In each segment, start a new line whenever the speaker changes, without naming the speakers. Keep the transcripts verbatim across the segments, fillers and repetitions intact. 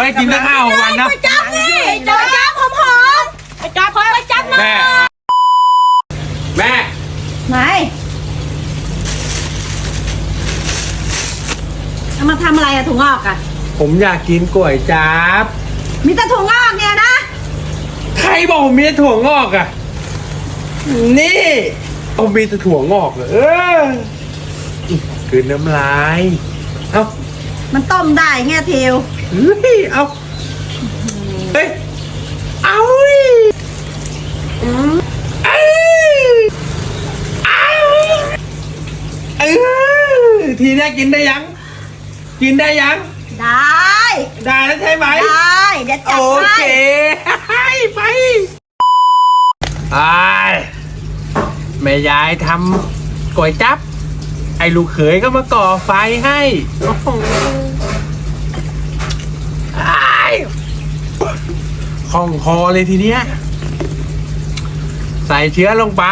ไว้กินตั้งห้าวันนะ
ไปจับนี่จับจับหอมหอมไปจับคอยไปจับนะ
แม่แม่
ไหนเอามาทำอะไรอะถุงงอกอะ
ผมอยากกินก๋วยจั๊บ
มีแต่ถุงงอกเนี่ยนะ
ใครบอกผมมีแต่ถั่วงอกอ่ะนี่เอามีแต่ถั่วงอกเหรอเออคืนน้ำลายเอา
มันต้มได้ไงเทว
เฮ้ยเอาเฮ้ยเอาดิเอาเอาเออทีนี้กินได้ยัง กินได้ยัง
ได้
ได้แล้วใช่ไหม
ได้เดี๋ยวจัด
โอ
ให้
เค ไปไอ้แม่ยายทำก๋วยจั๊บไอ้ลูกเขยก็มาก่อไฟให้โอ้โหอ้ายคล่องคอเลยทีเนี้ยใส่เชื้อลงไป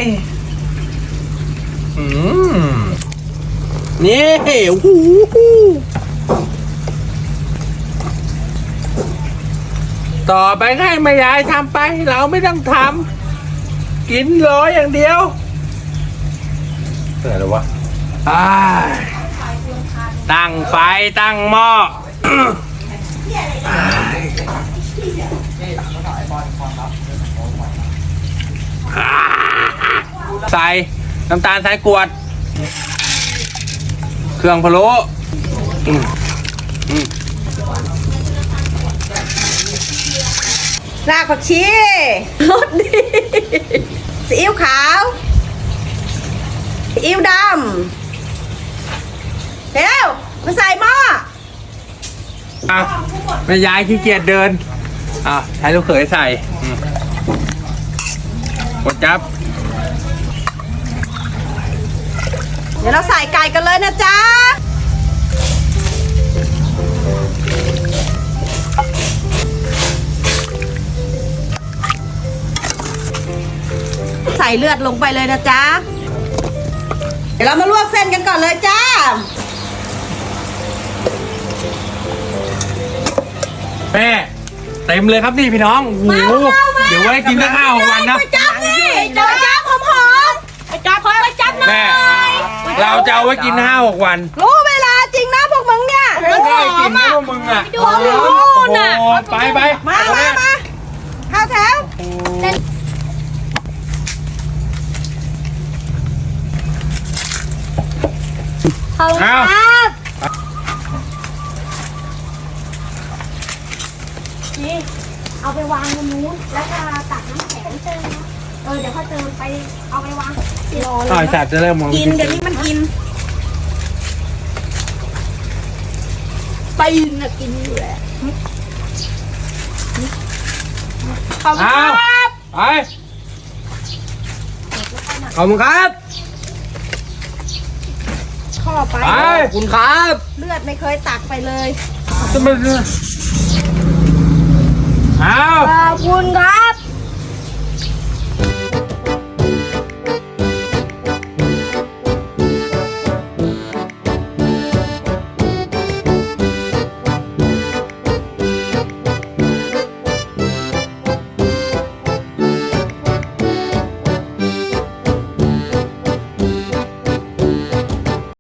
อืมนี่โอ้โหต่อไปให้แม่ยายทำไปเราไม่ต้องทำกินร้อยอย่างเดียวอะไรหรอวะอ้ายตั้งไฟตั้งหม้อ ใส่น้ำตาลทรายกรวดเครื่องพะโล้อืมอืม
รากผักชีรสดีซีอิ๊วขาวซีอิ๊วดำเร็วมาใส่หม้อ
อ่ะแม่ยายขี้เกียจเดินอ่ะใช้ลูกเขยใส่อืมกดจับ
เดี๋ยวเราใส่ไก่กันเลยนะจ๊ะใส่เลือดลงไปเลยนะจ๊ะเดี๋ยวเรามาลวกเส้นกันก่อนเลยจ้า
แม่เต็มเลยครับนี่พี่น้องโอ้โหเดี๋ยวไว้กินตั้งห้าวันนะ
ไปจับนี่จับจับหอมหอมไปจับคอยไปจับนะ
แม่เราจะเอาไว้กินห้าหกวัน
รู้เวลาจริงนะพวกมึงเนี่ย
ไม่ได้กินนะพวกมึงอ่ะ
ดูดูน่ะ
โอ้ไปไป
มามามาเข้าแถวขอบคุณครับนี่เอาไปวางตรงนู้นแล้วก็ตักน้ำแข็งเติมนะเออเดี๋ยวเขาเติมไปเอาไปวางรอเล
ต่อย
ย
สัตว์จะเริ่มมอง
กินเดี๋ยวนี้มันกินปีนน่ะกินอยู่แหละขอบคุณครับ
ไปขอบคุณครับ
ข้อไป
ไปขอบคุณครับ
เลือดไม่เคยตักไปเลย
จะมาเอา
ขอบคุณครับ